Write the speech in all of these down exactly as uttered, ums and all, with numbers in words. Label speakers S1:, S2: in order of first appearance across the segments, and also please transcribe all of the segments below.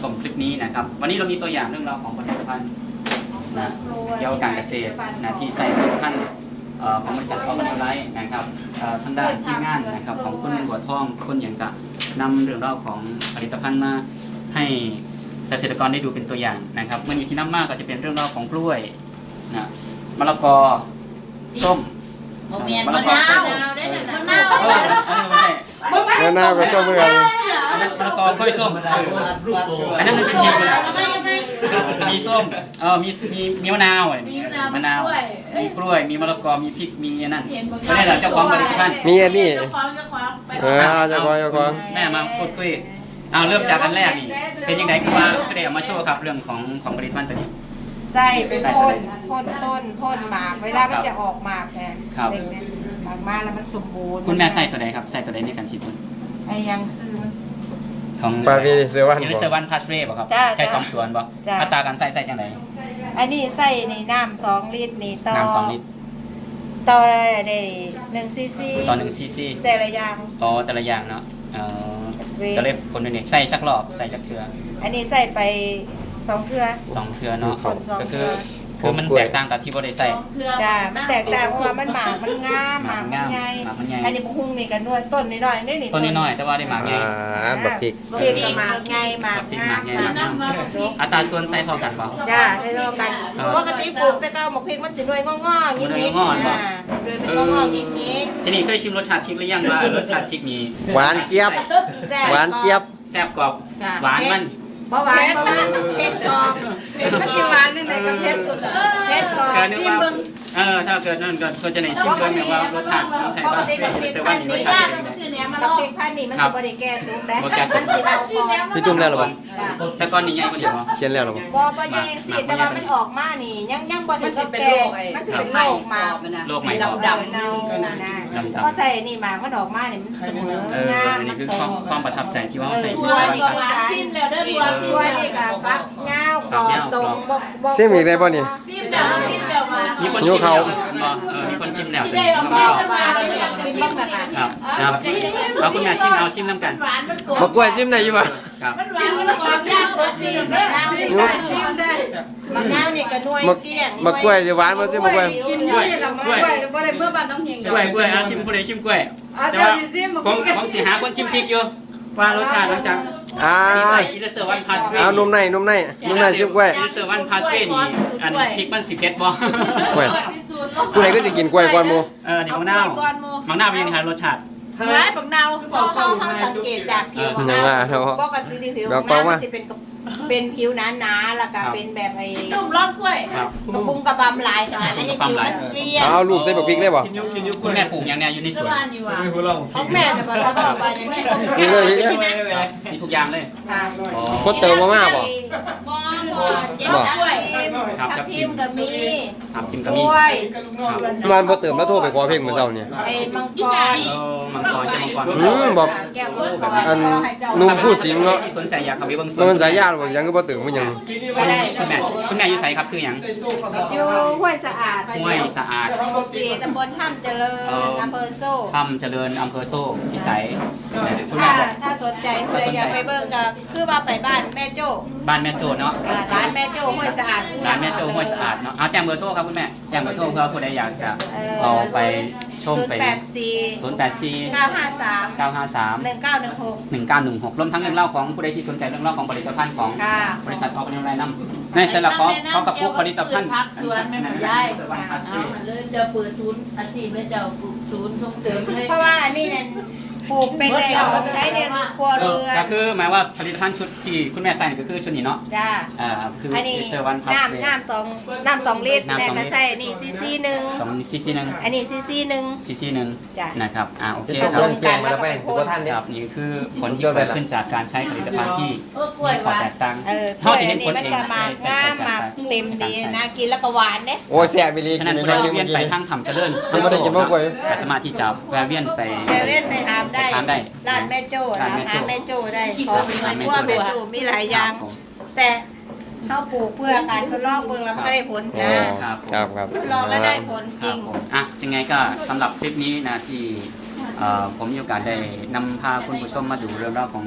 S1: มคลิปนี้นะครับวันนี้เรามีตัวอย่างเรื่องราวของผลิตภัณฑ์นะเกี่ยวกับการเกษตรนะที่ใส่ผลิตภัณฑ์ของบริษัทออร์แกนิกไลท์นะครับทางด้านทีมงานนะครับของคุณบัวทองคุณอย่างจะนำเรื่องราวของผลิตภัณฑ์มาให้เกษตรกรได้ดูเป็นตัวอย่างนะครับเมื่อนี้ที่น้ำมากก็จะเป็นเรื่องราวของกล้วยนะมะละกอส้มมะละกอมะนาวได้นะมะนาวเออไม่ใช่
S2: มะนาวกับส้มเหมือนกัน
S1: อันนั้นมะละกอกล้วยส้มอันนั้นมันเป็นทีมมีส้มเออมีมีมีมะนาวมีมะนาวมีกล้วยมีมะละกอมีพริกมีอันนั้นไม่ได้หรอเจ้าของผลิตภัณฑ์
S2: มีอันนี้เออ
S1: เจ้า
S2: ของเจ้าของ
S1: แม่มาพูดคุยเอาเริ่มจากอันแรกนี่เป็นยังไงคือว่าก็ได้เอามาโชว์ครับเรื่องของของผลิตภัณฑ์ตัวนี้
S3: ใส่เป็นพ่นพ่นต้นพ่นหมากเวลามันจะออกหมากแทนเด็กเนี่ยหมากมาแล้วมันสมบูรณ์
S1: คุณแม่ใส่ตัวใดครับใส่ตัวใดในการฉีดพ่น
S3: ไอ้ยังซื้อ
S1: ของ
S2: ปาวีเซวัน
S1: ยูนิเซวันพาสเร่ป่ะครับใช้สองตัวป่ะอัตราการใส่ใส่จังไร
S3: อันนี้ใส่ในน้ำสองลิตรนี่ต่อ
S1: น้ำสองลิตร
S3: ต่อได้หนึ่งซีซี
S1: ต่อหนึ่งซีซี
S3: แต่ละอย่าง
S1: อ๋อแต่ละอย่างเนาะก็เลยคนนึงใส่ชักรอบใส่ชักเทือ
S3: อันนี้ใส่ไปสองเทือ
S1: สองเทือเนาะก็คือคือมันแตกต่างกับที่บริใส่
S3: จ้ามันแตกต่างเพราะว่ามันหมากมันงามหมากมันใหญ่อันนี้บุ้งนี่กันนวดต้นนิดหน่อยนี่นี่
S1: ต้นนิดหน่อยแต่ว่าได้หมากใหญ่
S2: บักพริก
S3: พริกกับหมากใหญ่หมากงาม
S1: อัตราส่วนใส่เท่ากันป่ะ
S3: จ้าได้เท่ากันปกติปลูกแต่เก้าหมกพริกมันสิหน่วยงอๆยิ้มยิ้มนะเลยเป็นงอๆยิ้มยิ้ม
S1: ทีนี้เคยชิมรสชาติพริกหรือยังว่ารสชาติพริกนี้
S2: หวานเจี๊ยบหวานเจี๊ยบ
S1: แซ่บกรอบหวานมัน
S3: เพราะหวานเพราะมันเผ็ดกรอบ
S4: มันจะหวานนั่นแหละกับเผ็ดสุด
S3: เผ็ดกรอบ
S1: ซิมเบิ้งเออถ้าเกิดนั่นก็ก็จะในซิมเบิ้งเนี่ยว่ารสชาติต้องใส่
S3: ปกติกับพริกพันธุ์นี้กับพริกพันธุ์นี้มันจะบริแก่สูงแต่มันสีเราพอ
S2: พี่จุ่มแล้วหรอ
S1: แต่ก้อนนี้ใหญ่กว่าเดิม
S2: เขียนแล้วหรอ
S3: บ่บ่ใหญ่สิแต่ว่ามันออกมานี่ยังยังบ่ถึงกับแก่มันจะเป็นโรคมา
S1: โรคใหม่
S3: ดำดำเน่านะพอใส่นี่มามันออกมานี่มันเสมองาม
S1: มันคือความประทับใจที่ว่าใส่
S3: ตัวนี่ก็
S4: ชิมแล้วเด้อตัว
S3: ตัวนี่ก็ฟักเงากรอบตรงบ่บ่
S2: ซิมอีกได้ป่ะนี่
S4: ชิมแล้วชิมแล้วมา
S1: มีคนชิมแล้วมีคนชิมแล้ว
S4: ได้ออกมาแล้วมา
S3: เป็นบ้างแบบ
S1: ครับครับเอาคุณแม่ชิมเอาชิมน้ำกัน
S4: หวานมันกรอบ
S2: มะกล้วยจิ้มได้ยังไง
S1: ครับ
S4: มันหวานมันกรอบยากเลยจริงเด้อ
S3: มะนาวนี่ก็หน่วยเกี้ยง
S2: มะกล้วยจะหวานบ่ซิมะกล้วย
S4: กินด้วยละมะกล้วยบ่ได้เมื่อบ้านน้องเฮง
S1: กล้วยกล้วยเอาชิมผู้ใดชิมกล้วยแต่ว่าผมผมสิหาคนชิมพริกอยู่ว่ารสชาติหลังจาก
S2: อ่า
S1: ใส่อิเลเซอร์วันพาสเว่
S2: เอานุ่มในนุ่มในนุ่มในชิมกล้วย
S1: อิเลเซอร์วันพาสเว่นี่อันพริกมันสิบเอ็ดบ่
S2: กล้วยผู้ใดก็จะกินกล้วยก่อนหมู่
S1: เออนี่มะนาวมะนาวเป็นยังไงรสชาติ
S4: ร้ายบักนาว
S3: เขาเขาเขาสังเกตจากผิวมะนาวปกติผิวมะนาวมันจะเป็นเป็นผิวหนาๆแล้วก็เป็นแบบไอ้
S4: นุ่มร้อนกล้วย
S3: กระปุงกระบำลายกันอันนี้ผิวมันเปรี้ยว
S2: เอาลูกใส่บักพริกได้บ่
S1: คุณแม่ปลูกอย่างเนี้ยอยู่ในสวน
S3: เขาแม่จะบอกเขาบอกว่าอย่างนี้
S2: มีเลย
S1: มีทุกอย่างเลย
S2: พดเติมมาม่าบ่
S4: บ่กล้วย
S3: ทับทิมก็มี
S1: ทับทิมก็
S3: มี
S2: มันพดเติมแล้วโทรไปขอเพลงมื้อเช้านี่
S3: ไอ้มังกร
S1: มังกรจะมังกร
S2: อืมบอกอันนุ่มผู้สิงเนาะ
S1: สนใจอยากเข้าไปเบิ่งส
S2: วนมันสายยาบ่ยังก็บ่ตื่นมันยัง
S3: คุณแม่
S1: คุณแม่อยู่ไสครับชื่อหยัง
S3: อยู่ห้วยสะอาด
S1: ห้วยสะอาด
S3: หมู่สี่ตำบลถ้ำเจริญอำเภอโซ่
S1: ถ้ำเจริญอำเภอโซ่ที่ไสคุณ
S3: แม่ถ้าสนใจคุณอยากไปเบิ่งก็คือว่าไปบ้านแม่โจ้
S1: บ้านแม่โจ้เนาะ
S3: ร้านแม่โจ้ห้วยสะอาด
S1: ร้านแม่โจ้ห้วยสะอาดเนาะเอาแจ้งเบอร์โทรครับคุณแม่แจ้งเบอร์โทรเพื่อผู้ใดอยากจะเอาไปชมไป
S3: ศูนย์แปดสี่
S1: ศูนย์แปดสี่
S3: เก้าห้าสาม
S1: เก้าห้าสาม
S3: หนึ่งเก้าหนึ่งหก
S1: หนึ่งเก้าหนึ่งหกรวมทั้งเรื่องเล่าของผู้ใดที่สนใจเรื่องเล่าของผลิตภัณฑ์ของบริษัทออกเป็นอะไรนำในสลับของเขากับพวกผลิตภัณฑ์
S4: พักสวนไม่หมดย้ายเอามันเลยจะเปิดศูนย์อาชีพเลยจะปลูกศูนย์ส่งเสริมเลย
S3: เพราะว่าอันนี้เนี่ยปลูกเป็นในของใช้ในครัวเรือน
S1: ก็คือหมายว่าผลิตภัณฑ์ชุดที่คุณแม่ใส่ก็คือชุดนี้เนาะ
S3: จ้า
S1: อ่าคือ
S3: อันนี้น้ำน้ำสองน้ำสองลิตรแต่ก็ใส่นี่ซีซีหนึ่ง
S1: สองซีซีหนึ่ง
S3: อันนี้ซีซีหนึ่ง
S1: ซีซีหนึ่งนะครับอ่าโอเค
S3: ค
S1: รับ
S3: แจ้งแล้วไป
S1: ครับนี่คือผลที่เกิดขึ้นจากการใช้ผลิตภัณฑ์ที่มีข้อแตกต่าง
S3: เขาจะเห็นผลเองมันมากงามมากเต็มดีนะกินแล้วก็หวานเนี่ย
S2: โอ้แซ่บไปเลย
S1: ฉะนั้นผู้ใดเวียนไปทางถ้ำเจริญทางโซ่ก็สามารถที่จะแวะเวียนไป
S3: แวะเวียนไปทำได้
S1: ทำได้
S3: ร้านแม่โจ้ร้านแม่โจ้ได้ของพวกแม่โจ้มีหลายอย่างแต่เขาปลูกเพื่อการทดลองเบิ่งแล้วก็ได้ผลนะครับ
S2: ครับครับ
S3: ทดลองแล้วได้ผลจริง
S1: อ่ะยังไงก็สำหรับคลิปนี้นะที่ผมมีโอกาสได้นำพาคุณผู้ชมมาดูเรื่องราวของ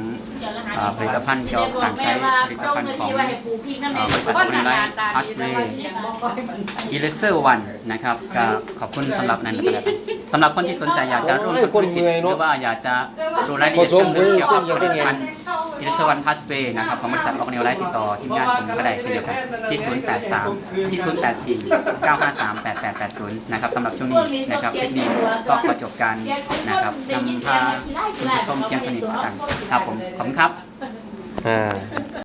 S1: อ่าผลิตภัณฑ์เกี่ยวกับการใช้ผลิตภัณฑ์ของอ่าบริษัทคนไลท์พัสเวย์อีเลเซอร์วันนะครับก็ขอบคุณสำหรับนั้นนะครับสำหรับคนที่สนใจอยากจะร่วมทำธุรกิจหรือว่าอยากจะรู้รายละเอียดเชิงลึกเกี่ยวกับผลิตภัณฑ์อีเลเซอร์วันพัสเวย์นะครับของบริษัทออกนิวไลท์ติดต่อทีมงานผมก็ได้เช่นเดียวกันที่ศูนย์ แปด สาม ที่ ศูนย์ แปด สี่ เก้า ห้า สาม แปด แปด แปด ศูนย์นะครับสำหรับช่วงนี้นะครับคลิปนี้ก็ขอจบการนะครับนำพาคุณผู้ชมเพียงเท่านี้ก็แล้วกันครับผมขอบคุณครับ
S2: อ่า